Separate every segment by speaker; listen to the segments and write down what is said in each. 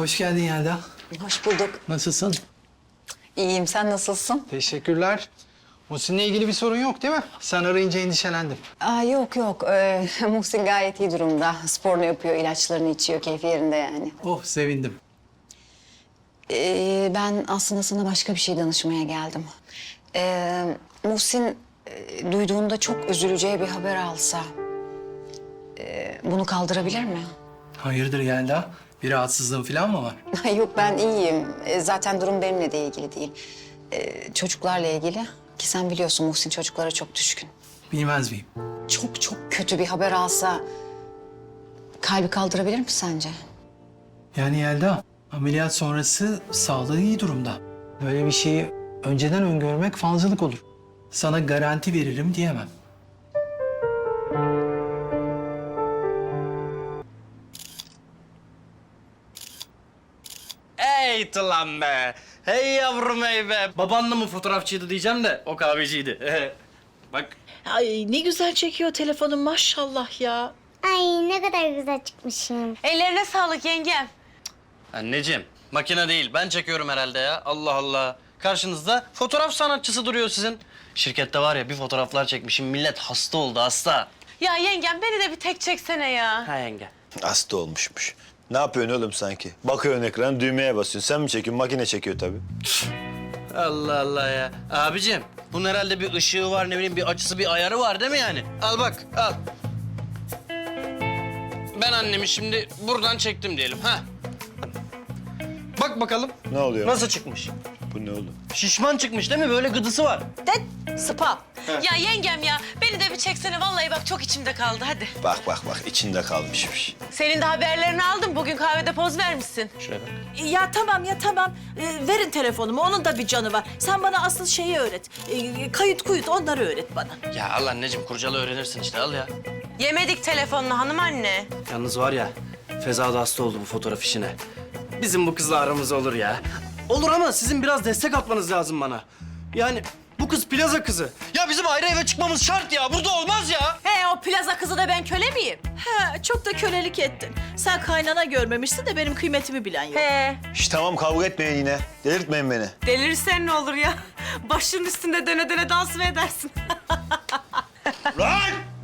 Speaker 1: Hoş geldin Yelda.
Speaker 2: Hoş bulduk.
Speaker 1: Nasılsın?
Speaker 2: İyiyim, sen nasılsın?
Speaker 1: Teşekkürler. Muhsin'le ilgili bir sorun yok değil mi? Sen arayınca endişelendim.
Speaker 2: Yok yok, Muhsin gayet iyi durumda. Sporunu yapıyor, ilaçlarını içiyor, keyfi yerinde yani.
Speaker 1: Oh, sevindim.
Speaker 2: Ben aslında sana başka bir şey danışmaya geldim. Muhsin duyduğunda çok üzüleceği bir haber alsa... bunu kaldırabilir mi?
Speaker 1: Hayırdır Yelda? Bir rahatsızlığın falan mı var?
Speaker 2: Yok, ben iyiyim. Zaten durum benimle de ilgili değil. Çocuklarla ilgili. Ki sen biliyorsun Muhsin çocuklara çok düşkün.
Speaker 1: Bilmez miyim?
Speaker 2: Çok çok kötü bir haber alsa... kalbi kaldırabilir mi sence?
Speaker 1: Yani Yelda, ameliyat sonrası sağlığı iyi durumda. Böyle bir şeyi önceden öngörmek falcılık olur. Sana garanti veririm diyemem.
Speaker 3: Hey lan be. Hey yavrum hey be. Babanla mı fotoğrafçıydı diyeceğim de o kahveciydi. Bak.
Speaker 4: Ay ne güzel çekiyor telefonun maşallah ya.
Speaker 5: Ay ne kadar güzel çıkmışım.
Speaker 6: Ellerine sağlık yengem.
Speaker 3: Anneciğim makine değil ben çekiyorum herhalde ya. Allah Allah. Karşınızda fotoğraf sanatçısı duruyor sizin. Şirkette var ya bir fotoğraflar çekmişim millet hasta oldu hasta.
Speaker 6: Ya yengem beni de bir tek çeksene ya.
Speaker 3: Ha yenge.
Speaker 7: Hasta olmuşmuş. Ne yapıyorsun oğlum sanki? Bakıyorsun ekrana düğmeye basıyorsun. Sen mi çekiyorsun? Makine çekiyor tabii.
Speaker 3: Allah Allah ya. Abicim bunun herhalde bir ışığı var ne bileyim bir açısı bir ayarı var değil mi yani? Al bak al. Ben annemi şimdi buradan çektim diyelim ha. Bak bakalım.
Speaker 7: Ne oluyor?
Speaker 3: Nasıl çıkmış?
Speaker 7: Bu ne oğlum?
Speaker 3: Şişman çıkmış değil mi? Böyle gıdısı var.
Speaker 4: Spa.
Speaker 6: Ya yengem ya beni de bir çeksene vallahi bak çok içimde kaldı hadi.
Speaker 7: Bak içinde kalmışmış.
Speaker 6: Senin de haberlerini aldım bugün kahvede poz vermişsin.
Speaker 3: Şuraya bak.
Speaker 4: Ya tamam. Verin telefonumu onun da bir canı var. Sen bana asıl şeyi öğret. Kayıt kuyut onları öğret bana.
Speaker 3: Ya al anneciğim kurcalı öğrenirsin işte al ya.
Speaker 6: Yemedik telefonunu hanım anne.
Speaker 3: Yalnız var ya Feza da hasta oldu bu fotoğraf işine. Bizim bu kızla aramız olur ya. Olur ama sizin biraz destek atmanız lazım bana. Yani bu kız plaza kızı. Ya bizim ayrı eve çıkmamız şart ya. Burada olmaz ya.
Speaker 4: O plaza kızı da ben köle miyim? He çok da kölelik ettin. Sen kaynana görmemişsin de benim kıymetimi bilen yok.
Speaker 7: Şş, tamam kavga etmeyin yine. Delirtmeyin beni.
Speaker 6: Delirirsen ne olur ya? Başının üstünde döne döne dans mı edersin?
Speaker 7: Lan!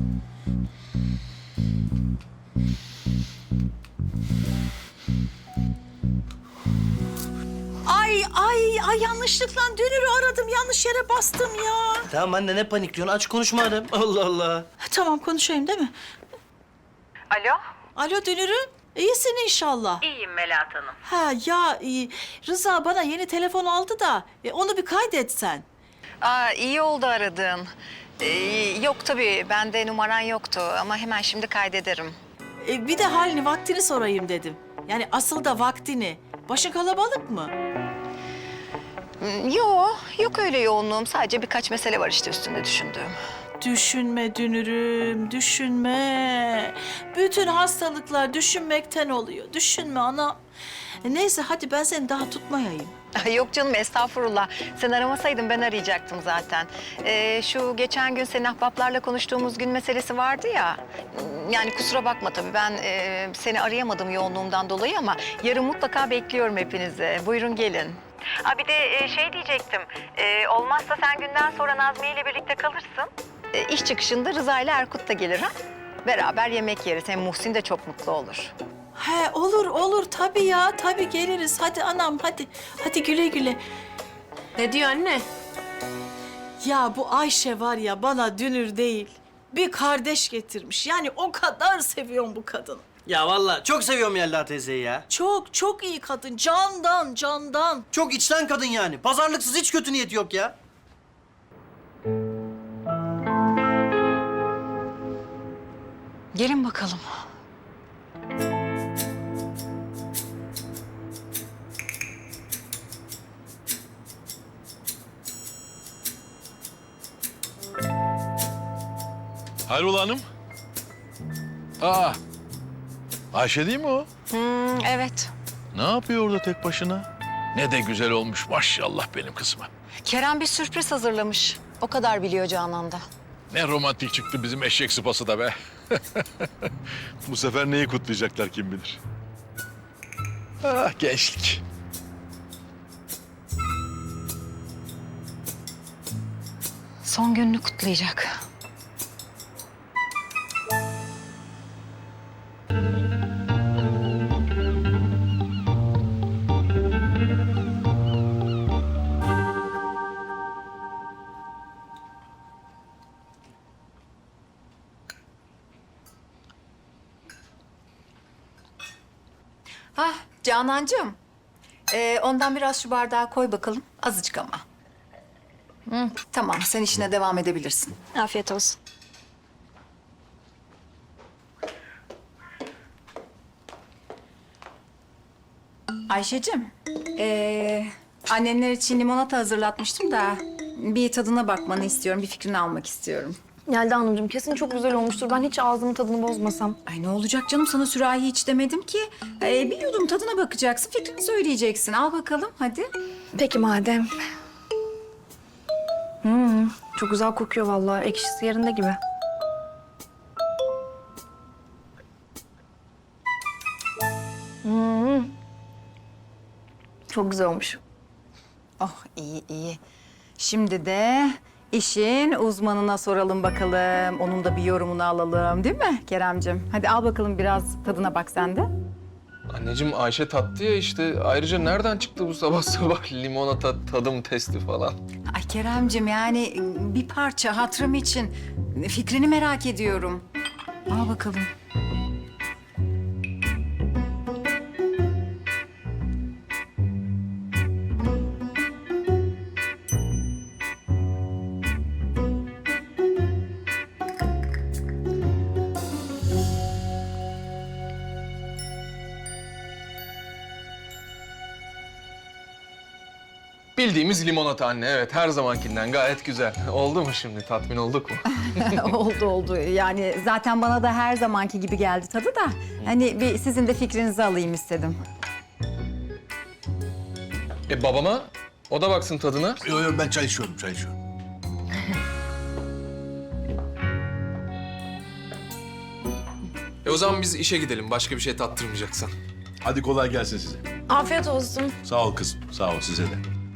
Speaker 4: Ay yanlışlıkla dünürü aradım. Yanlış yere bastım ya.
Speaker 3: Tamam anne ne panikliyorsun? Aç konuşma adam. Allah Allah.
Speaker 4: Tamam konuşayım değil mi?
Speaker 6: Alo?
Speaker 4: Alo dünürüm. İyisin inşallah.
Speaker 6: İyiyim Melahat Hanım.
Speaker 4: Ha ya Rıza bana yeni telefon aldı da onu bir kaydetsen.
Speaker 2: İyi oldu aradın. Yok tabii, bende numaran yoktu ama hemen şimdi kaydederim.
Speaker 4: Bir de halini vaktini sorayım dedim. Yani asıl da vaktini. Başı kalabalık mı?
Speaker 2: Yok öyle yoğunluğum. Sadece birkaç mesele var işte üstünde düşündüğüm.
Speaker 4: Düşünme dünürüm, düşünme. Bütün hastalıklar düşünmekten oluyor. Düşünme ana. Neyse hadi ben seni daha tutmayayım.
Speaker 2: Yok canım estağfurullah. Sen aramasaydın ben arayacaktım zaten. Şu geçen gün senin ahbaplarla konuştuğumuz gün meselesi vardı ya. Yani kusura bakma tabii ben seni arayamadım yoğunluğumdan dolayı ama yarın mutlaka bekliyorum hepinizi. Buyurun gelin. Bir de şey diyecektim. Olmazsa sen günden sonra Nazmiye ile birlikte kalırsın. İş çıkışında Rıza ile Erkut da gelir ha. Beraber yemek yeriz. Hem Muhsin de çok mutlu olur.
Speaker 4: He olur tabii ya tabii geliriz. Hadi anam hadi. Hadi güle güle.
Speaker 6: Ne diyor anne?
Speaker 4: Ya bu Ayşe var ya bana dünür değil. Bir kardeş getirmiş. Yani o kadar seviyorum bu kadını.
Speaker 3: Ya vallahi çok seviyorum Yelda teyzeyi ya.
Speaker 4: Çok iyi kadın. Candan.
Speaker 3: Çok içten kadın yani. Pazarlıksız hiç kötü niyeti yok ya.
Speaker 2: Gelin bakalım.
Speaker 8: Hayrola hanım? Ayşe değil mi o?
Speaker 2: Evet.
Speaker 8: Ne yapıyor orada tek başına? Ne de güzel olmuş maşallah benim kızıma.
Speaker 2: Kerem bir sürpriz hazırlamış. O kadar biliyor Canan'da.
Speaker 8: Ne romantik çıktı bizim eşek sıpası da be. Bu sefer neyi kutlayacaklar kim bilir. Ah gençlik.
Speaker 2: Son gününü kutlayacak. Ah Canancığım. Ondan biraz şu bardağa koy bakalım. Azıcık ama. Tamam, sen işine devam edebilirsin.
Speaker 5: Afiyet olsun.
Speaker 2: Ayşe'cim, annenler için limonata hazırlatmıştım da bir tadına bakmanı istiyorum, bir fikrini almak istiyorum.
Speaker 9: Yelda Hanımcığım kesin çok güzel olmuştur. Ben hiç ağzımın tadını bozmasam.
Speaker 2: Ay ne olacak canım, sana sürahi hiç demedim ki. Bir yudum tadına bakacaksın, fikrini söyleyeceksin. Al bakalım, hadi.
Speaker 9: Peki madem. Çok güzel kokuyor vallahi. Ekşisi yerinde gibi. Çok güzel olmuş.
Speaker 2: Oh, iyi iyi. Şimdi de işin uzmanına soralım bakalım. Onun da bir yorumunu alalım, değil mi Keremcim? Hadi al bakalım, biraz tadına bak sen de.
Speaker 10: Anneciğim Ayşe tattı ya işte. Ayrıca nereden çıktı bu sabah sabah limonata tadım testi falan?
Speaker 2: Ay Keremcim, yani bir parça hatırım için fikrini merak ediyorum. Al bakalım.
Speaker 10: Bildiğimiz limonata anne, evet. Her zamankinden gayet güzel. Oldu mu şimdi? Tatmin olduk mu?
Speaker 2: Oldu. Yani zaten bana da her zamanki gibi geldi tadı da. Hani bir sizin de fikrinizi alayım istedim.
Speaker 10: Babama? O da baksın tadına.
Speaker 8: Yok yok ben çay içiyorum.
Speaker 10: O zaman biz işe gidelim. Başka bir şey tattırmayacaksan.
Speaker 8: Hadi kolay gelsin size.
Speaker 9: Afiyet olsun.
Speaker 8: Sağ ol kızım. Sağ ol size de.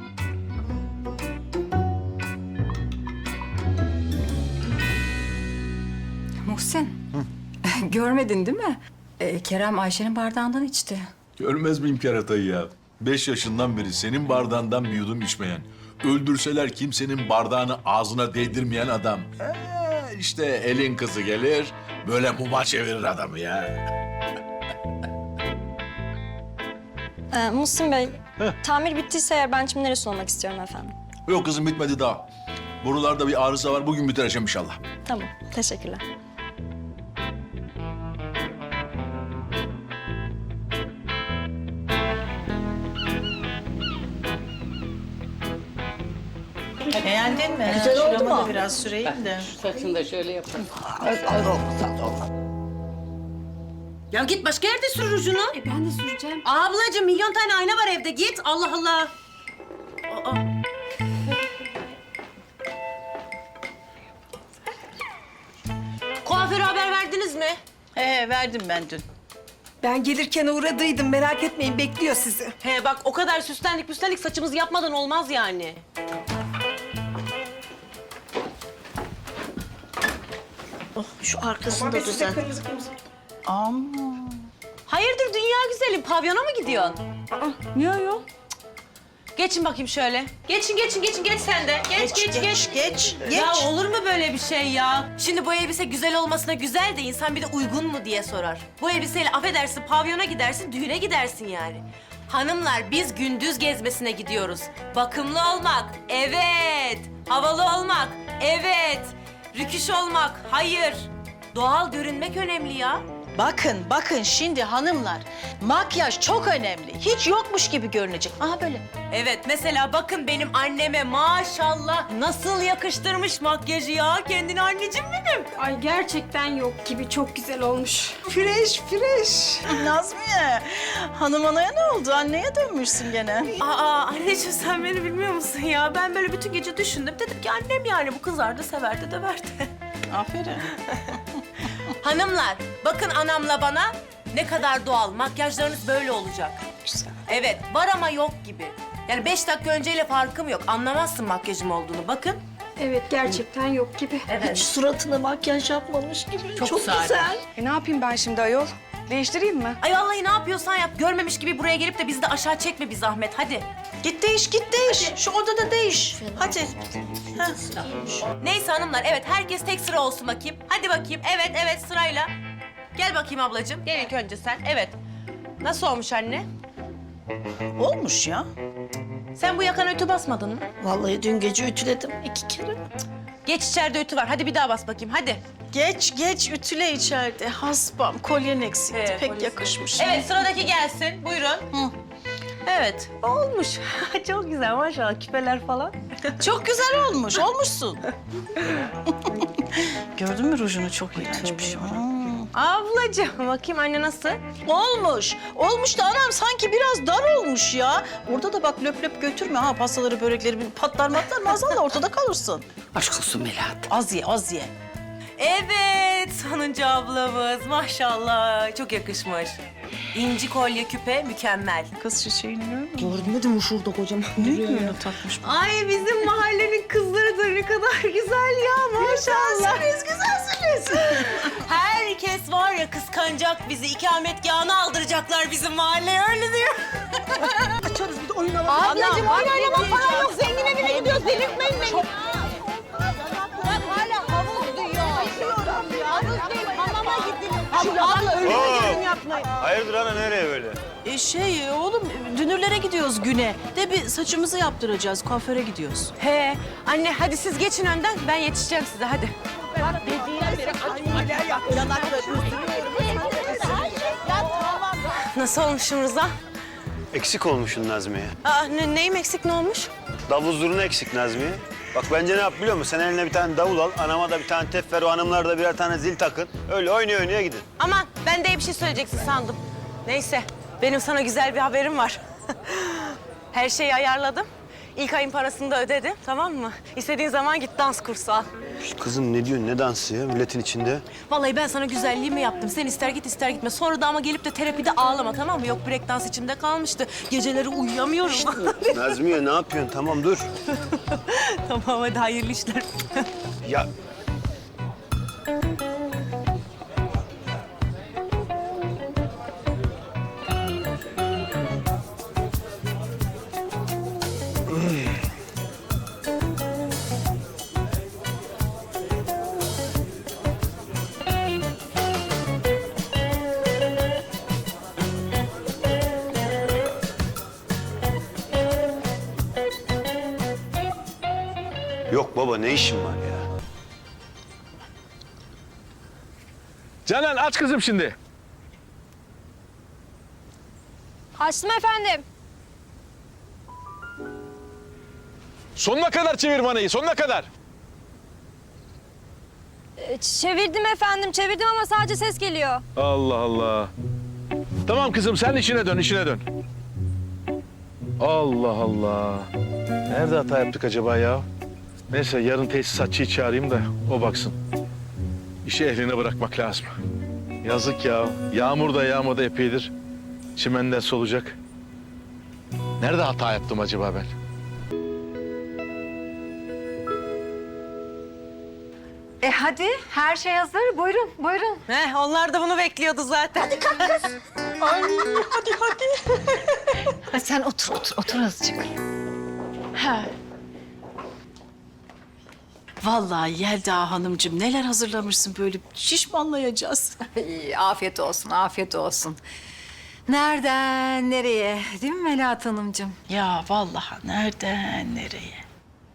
Speaker 2: Muhsin, görmedin değil mi? Kerem Ayşe'nin bardağından içti.
Speaker 8: Görmez miyim keratayı ya? 5 yaşından beri senin bardağından bir yudum içmeyen, öldürseler kimsenin bardağını ağzına değdirmeyen adam. İşte elin kızı gelir, böyle muma çevirir adamı ya.
Speaker 5: Muhsin Bey, tamir bittiyse eğer ben çimlere sulamak istiyorum efendim.
Speaker 8: Yok kızım bitmedi daha. Borularda bir arıza var, bugün bitireceğim inşallah.
Speaker 5: Tamam, teşekkürler.
Speaker 4: Beğendin mi? Güzel oldu mu? Biraz süreyim de.
Speaker 6: Ya git başka yerde sür rujunu.
Speaker 2: Ben de süreceğim.
Speaker 6: Ablacığım milyon tane ayna var evde, git. Allah Allah. Aa. Kuaföre haber verdiniz mi?
Speaker 4: Verdim ben dün.
Speaker 11: Ben gelirken uğradıydım. Merak etmeyin, bekliyor sizi.
Speaker 6: He bak, o kadar süslendik saçımızı yapmadan olmaz yani.
Speaker 11: Şu arkasını da düzelt.
Speaker 6: Hayırdır dünya güzelim, pavyona mı gidiyorsun?
Speaker 2: Yok.
Speaker 6: Geçin bakayım şöyle. Geçin geç sen de. Geç. Ya olur mu böyle bir şey ya? Şimdi bu elbise güzel olmasına güzel de insan bir de uygun mu diye sorar. Bu elbiseyle affedersin pavyona gidersin, düğüne gidersin yani. Hanımlar, biz gündüz gezmesine gidiyoruz. Bakımlı olmak, evet. Havalı olmak, evet. Rüküş olmak, hayır. Doğal görünmek önemli ya.
Speaker 4: Bakın şimdi hanımlar. Makyaj çok önemli. Hiç yokmuş gibi görünecek. Aha böyle.
Speaker 6: Evet, mesela bakın benim anneme maşallah nasıl yakıştırmış makyajı ya. Kendini anneciğim benim.
Speaker 11: Ay gerçekten yok gibi, çok güzel olmuş. Fresh.
Speaker 4: Nazmiye, hanım anaya ne oldu? Anneye dönmüşsün gene.
Speaker 6: Aa anneciğim, sen beni bilmiyor musun ya? Ben böyle bütün gece düşündüm. Dedim ki annem yani bu kızardı, severdi, döverdi.
Speaker 4: Aferin.
Speaker 6: Hanımlar, bakın anamla bana ne kadar doğal. Makyajlarınız böyle olacak.
Speaker 11: güzel.
Speaker 6: Evet, var ama yok gibi. Yani 5 dakika önceyle farkım yok. Anlamazsın makyajım olduğunu. Bakın.
Speaker 11: Evet gerçekten yok gibi.
Speaker 6: Evet.
Speaker 4: Suratına makyaj yapmamış gibi.
Speaker 6: Çok sade.
Speaker 11: Ne yapayım ben şimdi ayol? Değiştireyim mi?
Speaker 6: Ay vallahi ne yapıyorsan yap. Görmemiş gibi buraya gelip de bizi de aşağı çekme bir zahmet. Hadi.
Speaker 4: Git değiş, git değiş. Şu odada değiş. Hadi. Heh.
Speaker 6: Neyse hanımlar, evet herkes tek sıra olsun bakayım. Hadi bakayım. Evet, evet sırayla. Gel bakayım ablacığım. Gel ilk önce sen. Evet. Nasıl olmuş anne?
Speaker 4: Olmuş ya.
Speaker 6: Sen bu yakana ütü basmadın mı?
Speaker 4: Vallahi dün gece ütüledim 2 kere.
Speaker 6: Geç içeride ütü var. Hadi bir daha bas bakayım. Hadi.
Speaker 4: Geç ütüle içeride. Hasbam, kolyen eksikti.
Speaker 6: Evet,
Speaker 4: Pek
Speaker 6: kolyesi.
Speaker 4: yakışmış.
Speaker 6: Evet sıradaki gelsin. Buyurun. Evet. Olmuş. Çok güzel maşallah. Küpeler falan.
Speaker 4: Çok güzel olmuş, olmuşsun. Gördün mü rujunu çok iğrençmiş.
Speaker 6: Ablacığım bakayım anne nasıl?
Speaker 4: Olmuş. Olmuş da anam sanki biraz dar olmuş ya. Orada da bak löp löp götürme ha pastaları, börekleri bir patlar maazallah ortada kalırsın.
Speaker 11: Aşk olsun Melahat.
Speaker 4: Az ye, az ye.
Speaker 6: Evet sonuncu ablamız maşallah çok yakışmış. İnci kolye küpe mükemmel.
Speaker 4: Kız çiçeğini görmüyor musun?
Speaker 11: Görmedim mi şurada kocaman
Speaker 4: Ne öyle takmış?
Speaker 6: Ay bizim mahallenin kızları da ne kadar güzel ya maşallah.
Speaker 4: Güzelsiniz.
Speaker 6: Herkes var ya kıskanacak bizi. İkametgahını aldıracaklar bizim mahalleye öyle diyor.
Speaker 11: Ablacığım oyun oynamam falan yok. Zengin evine gidiyoruz. Delirtmeyin beni. Hala havuz diyor. Havuz değil, hamama gidelim. Abla öyle yorum yapmayın.
Speaker 7: Hayırdır ana nereye böyle?
Speaker 4: Oğlum dünürlere gidiyoruz güne. De bir saçımızı yaptıracağız. Kuaföre gidiyoruz.
Speaker 6: He anne hadi siz geçin önden ben yetişeceğim size hadi. Nasıl olmuşum Rıza?
Speaker 7: Eksik olmuşsun Nazmiye.
Speaker 6: Aa, neyim eksik ne olmuş?
Speaker 7: Davul zurna eksik Nazmiye. Bak bence ne yap biliyor musun? Sen eline bir tane davul al, anama da bir tane tef ver, o hanımlar da birer tane zil takın. Öyle oynaya gidin.
Speaker 6: Aman ben de bir şey söyleyeceksin sandım. Neyse benim sana güzel bir haberim var. Her şeyi ayarladım. İlk ayın parasını da ödedim tamam mı? İstediğin zaman git dans kursu al.
Speaker 7: Kızım ne diyorsun, ne dansı ya milletin içinde?
Speaker 6: Vallahi ben sana güzelliğimi yaptım. Sen ister git ister gitme. Sonra da ama gelip de terapide ağlama tamam mı? Yok break dans içimde kalmıştı. Geceleri uyuyamıyorum.
Speaker 7: Nazmiye ne yapıyorsun? Tamam dur.
Speaker 6: Tamam hadi hayırlı işler.
Speaker 7: Ya yok baba ne işin var ya?
Speaker 8: Canan aç kızım şimdi.
Speaker 5: Açtım efendim.
Speaker 8: Sonuna kadar çevir manayı, sonuna kadar.
Speaker 5: Çevirdim efendim, çevirdim ama sadece ses geliyor.
Speaker 8: Allah Allah. Tamam kızım sen işine dön, işine dön. Allah Allah. Nerede hata yaptık acaba ya? Neyse yarın tesisatçıyı çağırayım da o baksın. İşi ehline bırakmak lazım. Yazık ya. Yağmur da yağmadı epeydir. Çimenden solacak. Nerede hata yaptım acaba ben?
Speaker 2: Hadi her şey hazır. Buyurun, buyurun.
Speaker 6: Onlar da bunu bekliyordu zaten. Hadi kalk kız.
Speaker 2: Hadi sen otur azıcık.
Speaker 4: Ha. Vallahi Yelda Hanımcığım neler hazırlamışsın böyle şişmanlayacağız.
Speaker 2: Afiyet olsun, afiyet olsun. Nereden nereye değil mi Melahat Hanımcığım?
Speaker 4: Ya vallahi nereden nereye?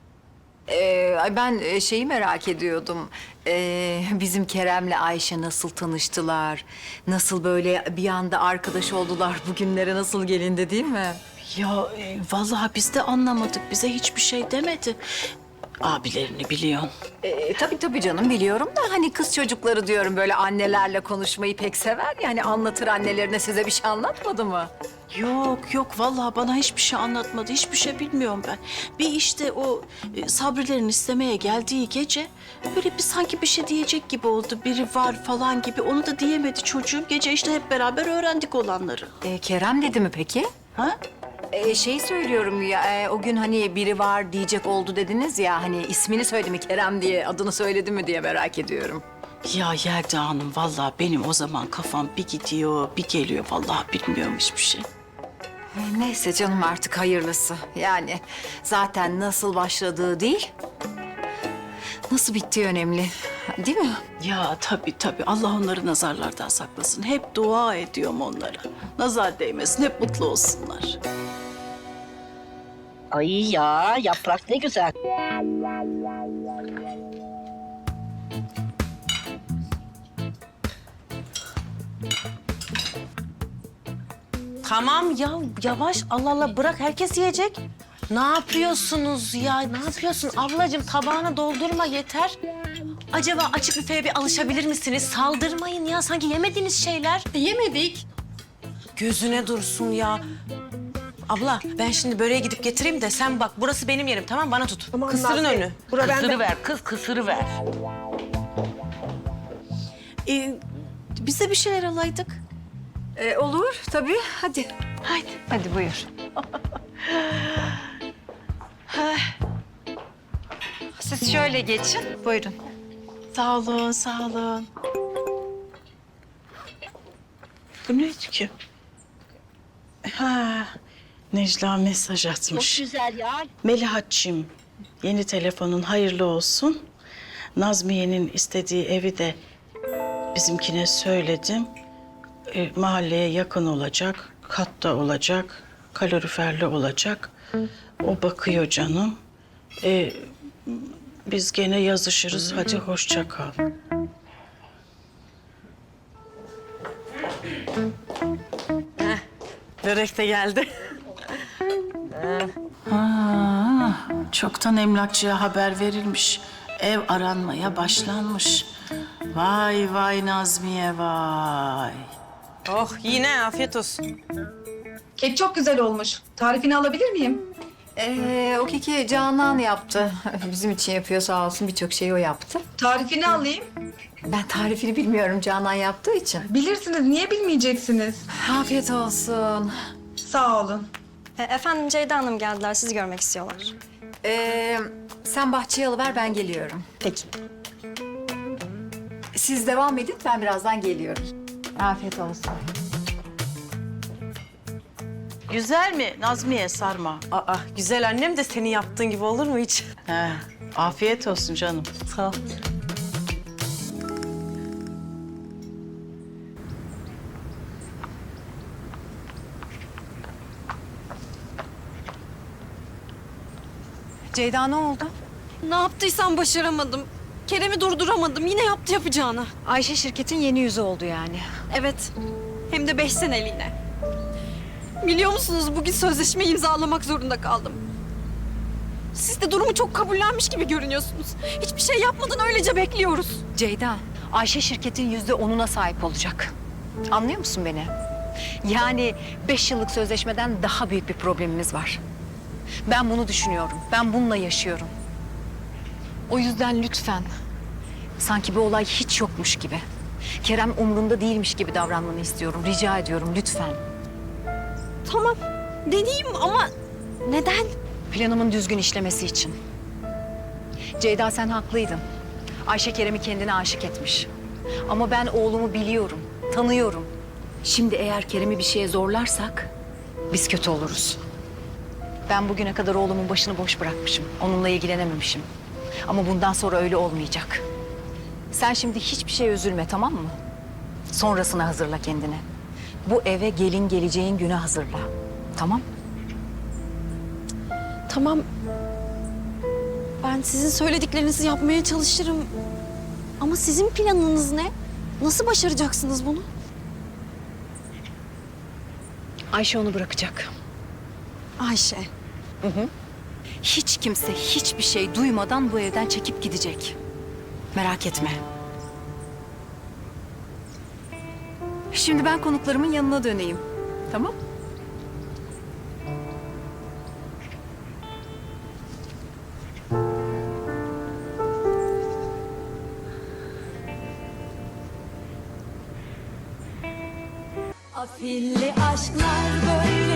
Speaker 2: Ben şeyi merak ediyordum. Bizim Kerem'le Ayşe nasıl tanıştılar? Nasıl böyle bir anda arkadaş oldular? Bugünlere nasıl gelindi değil mi?
Speaker 4: Ya vallahi biz de anlamadık. Bize hiçbir şey demedi. abilerini biliyorsun.
Speaker 2: Tabii canım biliyorum da hani kız çocukları diyorum böyle annelerle konuşmayı pek sever. Yani anlatır annelerine, size bir şey anlatmadı mı?
Speaker 4: Yok vallahi bana hiçbir şey anlatmadı. Hiçbir şey bilmiyorum ben. Bir işte o Sabrilerin istemeye geldiği gece böyle bir sanki bir şey diyecek gibi oldu. Biri var falan gibi. Onu da diyemedi çocuğum. Gece işte hep beraber öğrendik olanları.
Speaker 2: Kerem dedi mi peki?
Speaker 4: Ha?
Speaker 2: Şey söylüyorum ya, o gün hani biri var diyecek oldu dediniz ya, hani ismini söyledi mi Kerem diye, adını söyledi mi diye merak ediyorum.
Speaker 4: Ya Yelda Hanım vallahi benim o zaman kafam bir gidiyor bir geliyor. Vallahi bilmiyorum hiçbir şey.
Speaker 2: Neyse canım, artık hayırlısı. Yani zaten nasıl başladığı değil, nasıl bittiği önemli. Değil mi?
Speaker 4: Ya tabii. Allah onları nazarlardan saklasın. Hep dua ediyorum onlara. Nazar değmesin, hep mutlu olsunlar.
Speaker 11: Ay ya yaprak ne güzel.
Speaker 6: Tamam ya yavaş Allah Allah bırak herkes yiyecek. Ne yapıyorsunuz ya? Ne yapıyorsun ablacığım? Tabağına doldurma yeter. Acaba açık büfeye bir alışabilir misiniz? Saldırmayın ya sanki yemediğiniz şeyler.
Speaker 2: Yemedik.
Speaker 6: Gözüne dursun ya. Abla ben şimdi böreğe gidip getireyim de sen bak burası benim yerim tamam bana tut. Kısırın önü.
Speaker 11: Kısırıver kız kısırıver.
Speaker 4: Biz de bir şeyler alaydık.
Speaker 2: Olur tabii, hadi. Hadi buyur. Siz şöyle geçin, buyurun.
Speaker 4: Sağ olun. Bu neydi ki? Ha, Necla mesaj atmış.
Speaker 11: Çok güzel ya.
Speaker 4: Melihatçığım, yeni telefonun hayırlı olsun. Nazmiye'nin istediği evi de bizimkine söyledim. Mahalleye yakın olacak, katta olacak, kaloriferli olacak. O bakıyor canım. Biz gene yazışırız. Hadi hoşça kal.
Speaker 6: Börek de geldi.
Speaker 4: Çoktan emlakçıya haber verilmiş. Ev aranmaya başlanmış. Vay Nazmiye vay.
Speaker 6: Oh yine afiyet olsun.
Speaker 9: Kek çok güzel olmuş. Tarifini alabilir miyim?
Speaker 2: O keki Canan yaptı. Bizim için yapıyor sağ olsun, birçok şeyi o yaptı.
Speaker 9: Tarifini alayım.
Speaker 2: Ben tarifini bilmiyorum Canan yaptığı için.
Speaker 9: Bilirsiniz, niye bilmeyeceksiniz?
Speaker 2: Afiyet olsun.
Speaker 9: Sağ olun.
Speaker 5: Efendim Ceyda Hanım geldiler. Sizi görmek istiyorlar.
Speaker 2: Sen bahçeye alıver, ben geliyorum.
Speaker 5: Peki.
Speaker 2: Siz devam edin, ben birazdan geliyorum. Afiyet olsun.
Speaker 4: Güzel mi Nazmiye sarma?
Speaker 6: Aa güzel annem de senin yaptığın gibi olur mu hiç?
Speaker 4: He, afiyet olsun canım.
Speaker 6: Sağ ol.
Speaker 2: Ceyda ne oldu?
Speaker 5: Ne yaptıysam başaramadım. Kerem'i durduramadım. Yine yaptı yapacağını.
Speaker 2: Ayşe şirketin yeni yüzü oldu yani.
Speaker 5: Evet. Hem de 5 seneliğine. Biliyor musunuz bugün sözleşme imzalamak zorunda kaldım. Siz de durumu çok kabullenmiş gibi görünüyorsunuz. Hiçbir şey yapmadan öylece bekliyoruz.
Speaker 2: Ceyda, Ayşe şirketin %10'una sahip olacak. Anlıyor musun beni? Yani 5 yıllık sözleşmeden daha büyük bir problemimiz var. Ben bunu düşünüyorum. Ben bununla yaşıyorum. O yüzden lütfen, sanki bu olay hiç yokmuş gibi, Kerem umrunda değilmiş gibi davranmanı istiyorum. Rica ediyorum lütfen.
Speaker 5: Tamam. Deneyeyim ama neden?
Speaker 2: Planımın düzgün işlemesi için. Ceyda sen haklıydın. Ayşe Kerem'i kendine aşık etmiş. Ama ben oğlumu biliyorum, tanıyorum. Şimdi eğer Kerem'i bir şeye zorlarsak biz kötü oluruz. Ben bugüne kadar oğlumun başını boş bırakmışım. Onunla ilgilenememişim. Ama bundan sonra öyle olmayacak. Sen şimdi hiçbir şeye üzülme, tamam mı? Sonrasına hazırla kendini. Bu eve gelin geleceğin güne hazırla. Tamam?
Speaker 5: Tamam. Ben sizin söylediklerinizi yapmaya çalışırım. Ama sizin planınız ne? Nasıl başaracaksınız bunu?
Speaker 2: Ayşe onu bırakacak.
Speaker 5: Ayşe. hiç kimse hiçbir şey duymadan bu evden çekip gidecek. Merak etme. Şimdi ben konuklarımın yanına döneyim. Tamam?
Speaker 11: Afilli aşklar böyle